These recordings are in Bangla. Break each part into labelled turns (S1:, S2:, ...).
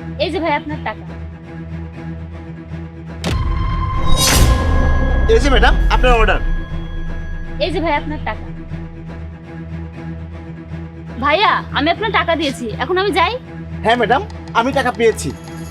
S1: এই যে ভাই আপনার টাকা।
S2: এই যে ম্যাডাম আপনার অর্ডার।
S1: এই যে ভাই আপনার টাকা। ভাইয়া আমি আপনার টাকা দিয়েছি, এখন আমি যাই।
S2: হ্যাঁ ম্যাডাম, আমি টাকা পেয়েছি।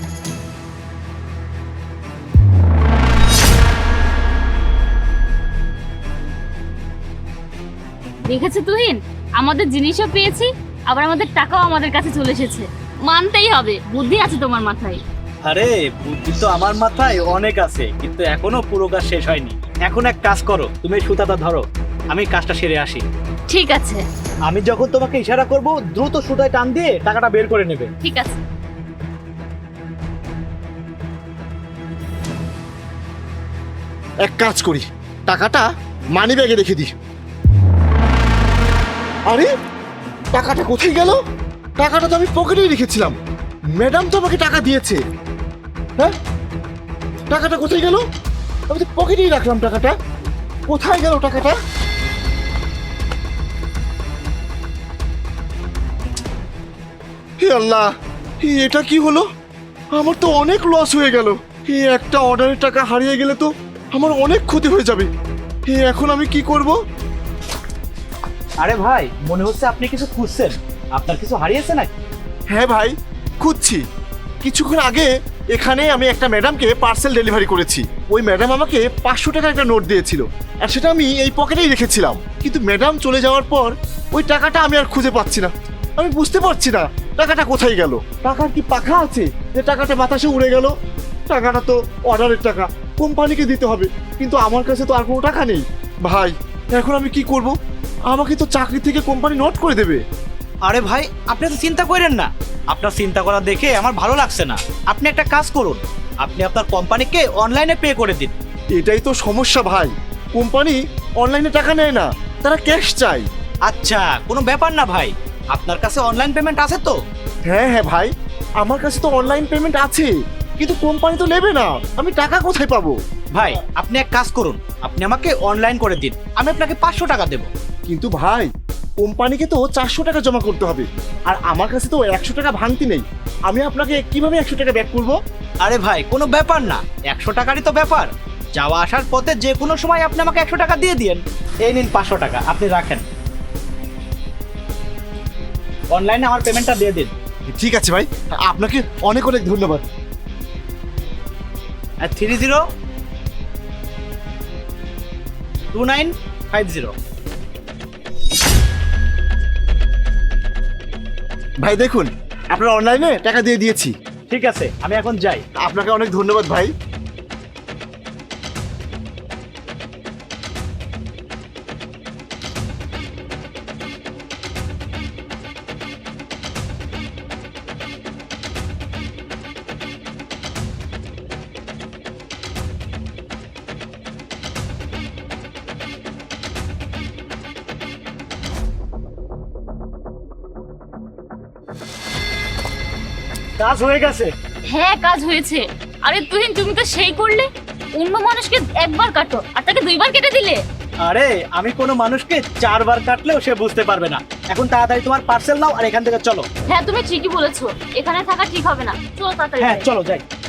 S1: দেখেছো তুহিন, আমাদের জিনিসও পেয়েছি, আবার আমাদের টাকাও আমাদের কাছে চলে এসেছে। মানতেই হবে, বুদ্ধি আছে তোমার মাথায়।
S3: আরে বুদ্ধি তো আমার মাথায় অনেক আছে, কিন্তু এখনো পুরো কাজ শেষ হয়নি। এখন এক কাজ করো, তুমি এই সুতাটা ধরো, আমি কাজটা সেরে আসি।
S1: ঠিক আছে।
S3: আমি যখন তোমাকে ইশারা করব দ্রুত সুতায় টান দিয়ে টাকাটা বের করে নেবে।
S1: ঠিক আছে।
S2: এক কাজ করি, টাকাটা মানি ব্যাগে রেখে দিই। আরে টাকাটা কোথায় গেল? টাকাটা তো আমি পকেটেই রেখেছিলাম। ম্যাডাম তো আমাকে টাকা দিয়েছে। হ্যাঁ, টাকাটা কোথায় গেল? আমি তো পকেটেই রাখলাম টাকাটা। কোথায় গেল টাকাটা? হে আল্লাহ, এটা কি হলো? আমার তো অনেক লস হয়ে গেল। এই একটা অর্ডারের টাকা হারিয়ে গেলে তো আমার অনেক ক্ষতি হয়ে যাবে। এখন আমি কি করব?
S3: আরে ভাই, মনে হচ্ছে আপনি কিছু খুঁজছেন। আপনার কিছু হারিয়েছে নাকি?
S2: হ্যাঁ ভাই, খুঁজছি। কিছুক্ষণ আগে এখানে আমি একটা ম্যাডামকে পার্সেল ডেলিভারি করেছি। ওই ম্যাডাম আমাকে 500 টাকার একটা নোট দিয়েছিল, আর সেটা আমি এই পকেটেই রেখেছিলাম। কিন্তু ম্যাডাম চলে যাওয়ার পর ওই টাকাটা আমি আর খুঁজে পাচ্ছি না। আমি বুঝতে পারছি না টাকাটা কোথায় গেল। টাকার কি পাখা আছে যে টাকাটা বাতাসে উড়ে গেল? টাকাটা তো অর্ডারের টাকা, কোম্পানিকে দিতে হবে, কিন্তু আমার কাছে তো আর কোনো টাকা নেই। ভাই এখন আমি কি করব? আমাকে তো চাকরি থেকে কোম্পানি নোট করে দেবে।
S3: আরে ভাই, আপনি তো চিন্তা করেন না। আপনার চিন্তা করা দেখে আমার ভালো লাগছে না। আপনি একটা কাজ করুন, আপনি আপনার কোম্পানিকে অনলাইনে পে করে দিন।
S2: এটাই তো সমস্যা ভাই, কোম্পানি অনলাইনে টাকা নেয় না, তারা ক্যাশ চায়।
S3: আচ্ছা, কোনো ব্যাপার না ভাই, আপনার কাছে অনলাইন পেমেন্ট আছে তো?
S2: হ্যাঁ হ্যাঁ ভাই, আমার কাছে তো অনলাইন পেমেন্ট আছে, কিন্তু কোম্পানি তো নেবে না। আমি টাকা কোথায় পাবো?
S3: ভাই আপনি এক কাজ করুন, আপনি আমাকে অনলাইন করে দিন, আমি আপনাকে 500 টাকা দেবো।
S2: কিন্তু ভাই, কোম্পানিকে তো 400 টাকা জমা করতে হবে, আর আমার কাছে তো 100 টাকা ভাঙতি নেই। আমি আপনাকে কিভাবে 100 টাকা ব্যাক করবো?
S3: আরে ভাই, কোনো ব্যাপার না, 100 টাকারই তো ব্যাপার। যাওয়া আসার পথে যে কোনো সময় আপনি আমাকে 100 টাকা দিয়ে দিন। এই নিন 500 টাকা, আপনি রাখেন। অনলাইনে আমার পেমেন্টটা দিয়ে দিন।
S2: ঠিক আছে ভাই, আপনাকে অনেক অনেক ধন্যবাদ।
S3: 302950।
S2: ভাই দেখুন, আপনার অনলাইনে টাকা দিয়ে দিয়েছি।
S3: ঠিক আছে, আমি এখন যাই।
S2: আপনাকে অনেক ধন্যবাদ ভাই।
S3: কাজ হয়ে গেছে।
S1: হ্যাঁ কাজ হয়েছে। আরে তুহিন, তুমি তো সেই করলে, অন্য মানুষকে একবার কাটো আর তাকে 2বার কেটে দিলে।
S3: আরে আমি কোনো মানুষকে 4 বার কাটলেও সে বুঝতে পারবে না। এখন তাড়াতাড়ি তোমার পার্সেল নাও আর এখান থেকে চলো।
S1: হ্যাঁ তুমি ঠিকই বলেছো, এখানে থাকা ঠিক হবে না, চলো তাড়াতাড়ি
S3: হ্যাঁ
S1: যাই।
S3: চলো যাই।